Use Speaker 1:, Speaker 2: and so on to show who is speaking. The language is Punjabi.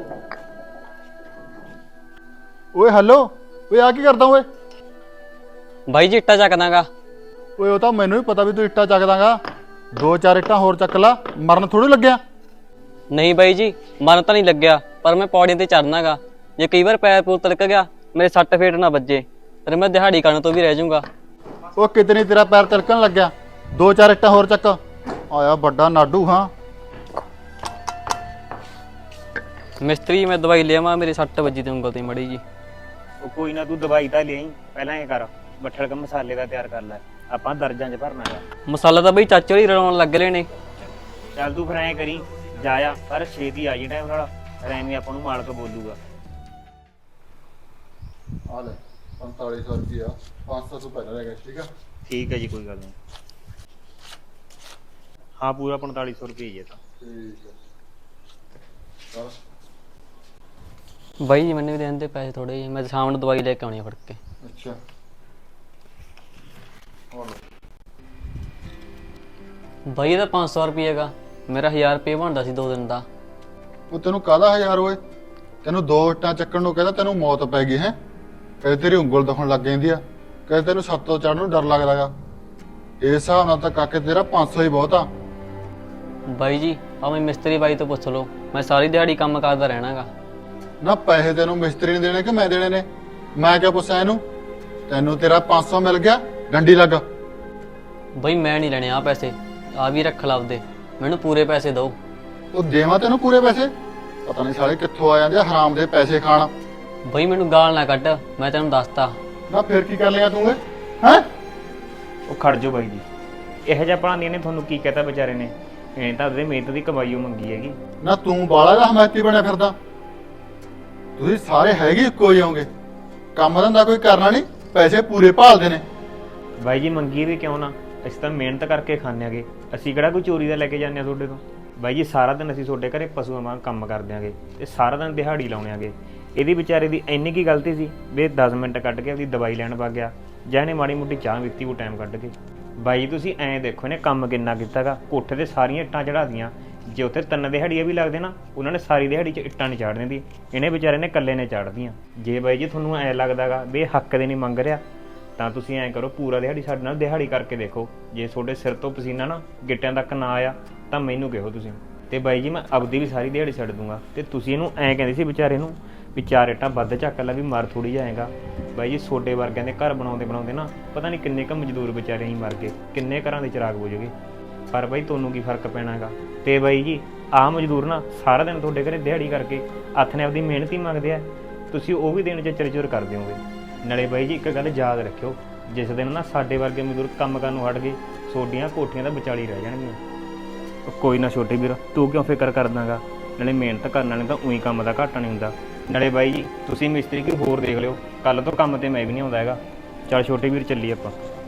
Speaker 1: ਓਏ ਹੈਲੋ, ਓਏ ਆ ਕੀ ਕਰਦਾ ਓਏ?
Speaker 2: ਬਾਈ ਜੀ ਇੱਟਾਂ ਚੱਕਦਾਗਾ।
Speaker 1: ਓਏ ਉਹ ਤਾਂ ਮੈਨੂੰ ਵੀ ਪਤਾ ਵੀ ਤੂੰ ਇੱਟਾਂ ਚੱਕਦਾਗਾ। 2-4 ਇੱਟਾਂ ਹੋਰ ਚੱਕ ਲਾ, ਮਰਨ ਥੋੜੀ ਲੱਗਿਆ।
Speaker 2: ਨਹੀਂ ਬਾਈ ਜੀ, ਮਨ ਤਾਂ ਨਹੀਂ ਲੱਗਿਆ, ਪਰ ਮੈਂ ਪੌੜੀਆਂ ਤੇ ਚੜਨਾਗਾ। ਜੇ ਕਈ ਵਾਰ ਪੈਰ ਪੂਰ ਤਿਲਕ ਗਿਆ, ਮੇਰੇ ਸੱਟ ਫੇਟ ਨਾ ਵੱਜੇ, ਫਿਰ ਮੈਂ ਦਿਹਾੜੀ ਕਰਨ ਤੋਂ ਵੀ ਰਹਿ ਜਾਊਂਗਾ।
Speaker 1: ਉਹ ਕਿਤੇ ਤੇਰਾ ਪੈਰ ਤਿਲਕਣ ਲੱਗਿਆ। 2-4 ਇੱਟਾਂ ਹੋਰ ਚੱਕ। ਆਇਆ ਵੱਡਾ ਨਾਡੂ ਹਾਂ।
Speaker 2: ਮਿਸਤਰੀ ਮੈਂ ਦਵਾਈ ਲਿਆਵਾਂ, ਮੇਰੀ ਸੱਟ ਵੱਜੀ ਤੇ ਉਂਗਲ ਤੇ ਮੜੀ ਜੀ।
Speaker 3: ਉਹ ਕੋਈ ਨਾ, ਤੂੰ ਦਵਾਈ ਤਾਂ ਲਿਆਈ, ਪਹਿਲਾਂ ਇਹ ਕਰ ਬੱਠਲ ਕ ਮਸਾਲੇ ਦਾ ਤਿਆਰ ਕਰ ਲੈ, ਆਪਾਂ ਦਰਜਾਂ 'ਚ ਭਰਨਾ ਹੈ।
Speaker 2: ਮਸਾਲਾ ਤਾਂ ਬਈ ਚਾਚੇ ਹੋਰੀ ਰਲਾਉਣ ਲੱਗ ਰਹੇ ਨੇ।
Speaker 3: ਚੱਲ ਤੂੰ ਫਿਰ ਐਂ ਕਰੀ, ਜਾਇਆ ਪਰ ਛੇਤੀ ਆ ਜੀ ਟਾਈਮ ਨਾਲ, ਫਿਰ ਐਵੇਂ ਆਪਾਂ ਨੂੰ ਮਾਲਕ ਬੋਲੂਗਾ।
Speaker 1: ਆ ਲੈ 4500 ਰੁਪਇਆ, 500 ਤੋਂ ਪਹਿਲਾਂ ਰਹਿ ਗਿਆ। ਠੀਕ ਆ,
Speaker 3: ਠੀਕ ਹੈ ਜੀ, ਕੋਈ ਗੱਲ ਨਹੀਂ। ਹਾਂ ਪੂਰਾ 4500 ਰੁਪਏ ਹੀ ਹੈ ਤਾਂ।
Speaker 1: ਠੀਕ ਹੈ ਚਲ।
Speaker 2: ਬਾਈ ਜੀ ਮੈਨੂੰ ਵੀ ਦੇਣ ਦੇ ਪੈਸੇ ਥੋੜੇ ਜਿਹੇ, ਮੈਂ ਸ਼ਾਮ ਨੂੰ ਦਵਾਈ ਲੈ ਕੇ ਆਉਣੀ ਆ ਫੜ ਕੇ।
Speaker 1: ਅੱਛਾ
Speaker 2: ਬਾਈ ਇਹਦਾ 500 ਰੁਪਏ ਹੈਗਾ, ਮੇਰਾ 1000 ਰੁਪਏ ਬਣਦਾ ਸੀ 2 ਦਿਨ ਦਾ।
Speaker 1: ਉਹ ਤੈਨੂੰ ਕਾਹਦਾ 1000 ਓਏ? ਤੈਨੂੰ 2 ਇੱਟਾਂ ਚੱਕਣ ਨੂੰ ਕਹਿੰਦਾ ਤੈਨੂੰ ਮੌਤ ਪੈ ਗਈ ਹੈ। ਕਦੇ ਤੇਰੀ ਉਂਗਲ ਦੁਖਣ ਲੱਗ ਜਾਂਦੀ ਆ, ਕਦੇ ਤੈਨੂੰ ਛੱਤ ਤੋਂ ਚੜ੍ਹਨ ਨੂੰ ਡਰ ਲੱਗਦਾਗਾ। ਇਸ ਹਿਸਾਬ ਨਾਲ ਤਾਂ ਕਾਕੇ ਤੇਰਾ 500 ਹੀ ਬਹੁਤ ਆ।
Speaker 2: ਬਾਈ ਜੀ ਭਾਵੇਂ ਮਿਸਤਰੀ ਬਾਈ ਤੋਂ ਪੁੱਛ ਲਓ, ਮੈਂ ਸਾਰੀ ਦਿਹਾੜੀ ਕੰਮ ਕਰਦਾ ਰਹਿਣਾਗਾ।
Speaker 1: ਨਾ ਪੈਸੇ ਤੈਨੂੰ ਮਿਸਤਰੀ ਨੇ ਦੇਣੇ ਕਿ ਮੈਂ ਦੇਣੇ ਨੇ? ਮੈਂ ਕਿਹਾ ਪੁੱਛਾਂ ਇਹਨੂੰ? ਤੈਨੂੰ ਤੇਰਾ 500 ਮਿਲ ਗਿਆ, ਡੰਡੀ ਲੱਗ।
Speaker 2: ਬਾਈ ਮੈਂ ਨਹੀਂ ਲੈਣੇ ਆ ਪੈਸੇ, ਆ ਵੀ ਰੱਖ ਲਾ ਆਪਦੇ, ਮੈਨੂੰ ਪੂਰੇ ਪੈਸੇ ਦਿਓ।
Speaker 1: ਉਹ ਦੇਵਾਂ ਤੈਨੂੰ ਪੂਰੇ ਪੈਸੇ? ਪਤਾ ਨਹੀਂ ਸਾਲੇ ਕਿੱਥੋਂ ਆ ਜਾਂਦੇ ਆ ਹਰਾਮ ਦੇ ਪੈਸੇ ਖਾਣ।
Speaker 2: ਬਾਈ ਮੈਨੂੰ ਗਾਲ ਨਾ ਕੱਢ, ਮੈਂ ਤੈਨੂੰ ਦੱਸਤਾ।
Speaker 1: ਨਾ ਫਿਰ ਕੀ ਕਰ ਲਿਆ ਤੂੰ ਏ? ਹੈਂ?
Speaker 3: ਉਹ ਖੜ ਜਾਓ ਬਾਈ ਜੀ, ਇਹੋ ਜਿਹਾ ਪੜਾਉਂਦੀਆਂ ਨੇ ਤੁਹਾਨੂੰ ਕੀ ਕਹਤਾ ਵਿਚਾਰੇ ਨੇ, ਇਹ ਤਾਂ ਉਹਦੇ ਮਿਹਨਤ ਦੀ ਕਮਾਈਓ ਮੰਗੀ ਹੈਗੀ।
Speaker 1: ਨਾ ਤੂੰ ਬਾਲਾ ਦਾ ਹਮਾਇਤੀ ਬਣਿਆ ਫਿਰਦਾ। ਤੁਸੀਂ ਸਾਰੇ ਹੈਗੇ ਇੱਕੋ ਜਿਹੇ ਹੋਗੇ, ਕੰਮ ਧੰਦਾ ਕੋਈ ਕਰਨਾ ਨਹੀਂ, ਪੈਸੇ ਪੂਰੇ ਭਾਲਦੇ ਨੇ।
Speaker 3: ਬਾਈ ਜੀ ਮੰਗੀ ਵੀ ਕਿਉਂ ਨਾ, ਅਸੀਂ ਤਾਂ ਮਿਹਨਤ ਕਰਕੇ ਖਾਂਦੇ ਆਂਗੇ, ਅਸੀਂ ਕਿਹੜਾ ਕੋਈ ਚੋਰੀ ਦਾ ਲੈ ਕੇ ਜਾਂਦੇ ਆ ਤੁਹਾਡੇ ਤੋਂ। ਬਾਈ ਜੀ ਸਾਰਾ ਦਿਨ ਅਸੀਂ ਤੁਹਾਡੇ ਘਰੇ ਪਸ਼ੂਆਂ ਵਾਂਗ ਕੰਮ ਕਰਦੇ ਆਂਗੇ ਤੇ ਸਾਰਾ ਦਿਨ ਦਿਹਾੜੀ ਲਾਉਣੇ ਆਂਗੇ। ਇਹਦੀ ਵਿਚਾਰੇ ਦੀ ਇੰਨੀ ਕੀ ਗਲਤੀ ਸੀ ਵੀ 10 ਮਿੰਟ ਕੱਢ ਕੇ ਆਪਦੀ ਦਵਾਈ ਲੈਣ ਵਗ ਗਿਆ, ਜਾਂ ਇਹਨੇ ਮਾੜੀ ਮੋਟੀ ਚਾਹ ਪੀਤੀ ਉਹ ਟਾਈਮ ਕੱਢ ਕੇ। ਬਾਈ ਤੁਸੀਂ ਐਂ ਦੇਖੋ ਇਹਨੇ ਕੰਮ ਕਿੰਨਾ ਕੀਤਾਗਾ, ਕੋਠੇ ਤੇ ਸਾਰੀਆਂ ਇੱਟਾਂ ਚੜਾ ਦੀਆਂ। ਜੇ ਉੱਥੇ 3 ਦਿਹਾੜੀਆਂ ਵੀ ਲੱਗਦੇ ਨਾ, ਉਹਨਾਂ ਨੇ ਸਾਰੀ ਦਿਹਾੜੀ 'ਚ ਇੱਟਾਂ ਨਹੀਂ ਚਾੜ ਦਿੰਦੀ, ਇਹਨੇ ਵਿਚਾਰੇ ਨੇ ਇਕੱਲੇ ਨੇ ਚਾੜਦੀਆਂ। ਜੇ ਬਾਈ ਜੀ ਤੁਹਾਨੂੰ ਐਂ ਲੱਗਦਾਗਾ ਵੀ ਇਹ ਹੱਕ ਦੇ ਨਹੀਂ ਮੰਗ ਰਿਹਾ, ਤਾਂ ਤੁਸੀਂ ਐਂ ਕਰੋ ਪੂਰਾ ਦਿਹਾੜੀ ਸਾਡੇ ਨਾਲ ਦਿਹਾੜੀ ਕਰਕੇ ਦੇਖੋ। ਜੇ ਤੁਹਾਡੇ ਸਿਰ ਤੋਂ ਪਸੀਨਾ ਨਾ ਗਿੱਟਿਆਂ ਤੱਕ ਨਾ ਆਇਆ ਤਾਂ ਮੈਨੂੰ ਕਹੋ ਤੁਸੀਂ, ਤੇ ਬਾਈ ਜੀ ਮੈਂ ਆਪਦੀ ਵੀ ਸਾਰੀ ਦਿਹਾੜੀ ਛੱਡ ਦੂੰਗਾ। ਤੇ ਤੁਸੀਂ ਇਹਨੂੰ ਐਂ ਕਹਿੰਦੇ ਸੀ ਵਿਚਾਰੇ ਨੂੰ ਵੀ 4 ਇੱਟਾਂ ਵੱਧ ਚੱਕ ਲੈ ਵੀ ਮਰ ਥੋੜੀ ਜਾਏਗਾ। ਬਾਈ ਜੀ ਛੋਟੇ ਵਰਗਿਆਂ ਦੇ ਘਰ ਬਣਾਉਂਦੇ ਬਣਾਉਂਦੇ ਨਾ ਪਤਾ ਨਹੀਂ ਕਿੰਨੇ ਕੁ ਮਜ਼ਦੂਰ ਵਿਚਾਰੇ ਹੀ ਮਰ ਗਏ, ਕਿੰਨੇ ਘਰਾਂ ਦੇ ਚਿਰਾਗ ਬੁਝ ਗਏ। ਪਰ ਬਾਈ ਤੁਹਾਨੂੰ ਕੀ ਫਰਕ ਪੈਣਾ ਹੈਗਾ? ਤੇ ਬਾਈ ਜੀ ਆਹ ਮਜ਼ਦੂਰ ਨਾ ਸਾਰਾ ਦਿਨ ਤੁਹਾਡੇ ਘਰੇ ਦਿਹਾੜੀ ਕਰਕੇ ਹੱਥ ਨੇ ਆਪਦੀ ਮਿਹਨਤ ਹੀ ਮੰਗਦੇ ਆ, ਤੁਸੀਂ ਉਹ ਵੀ ਦਿਨ 'ਚ ਚਿਰ ਕਰ ਦਿਓਗੇ। ਨਾਲੇ ਬਾਈ ਜੀ ਇੱਕ ਗੱਲ ਯਾਦ ਰੱਖਿਓ, ਜਿਸ ਦਿਨ ਨਾ ਸਾਡੇ ਵਰਗੇ ਮਜ਼ਦੂਰ ਕੰਮ ਕਰਨ ਨੂੰ ਹਟ ਗਏ, ਤੁਹਾਡੀਆਂ ਕੋਠੀਆਂ ਤਾਂ ਵਿਚਾਲੀ ਰਹਿ ਜਾਣਗੀਆਂ। ਕੋਈ ਨਾ ਛੋਟੇ ਵੀਰ, ਤੂੰ ਕਿਉਂ ਫਿਕਰ ਕਰਦਾਗਾ? ਨਾਲੇ ਮਿਹਨਤ ਕਰਨ ਵਾਲੇ ਤਾਂ ਉਹੀ ਕੰਮ ਦਾ ਘਾਟਾ ਨਹੀਂ ਹੁੰਦਾ। ਨਾਲੇ ਬਾਈ ਜੀ ਤੁਸੀਂ ਮਿਸਤਰੀ ਕੋਈ ਹੋਰ ਦੇਖ ਲਿਓ, ਕੱਲ ਤੋਂ ਕੰਮ ਤੇ ਮੈਂ ਵੀ ਨਹੀਂ ਆਉਂਦਾ ਹੈਗਾ। ਚੱਲ ਛੋਟੇ ਵੀਰ ਚੱਲੀਏ ਆਪਾਂ।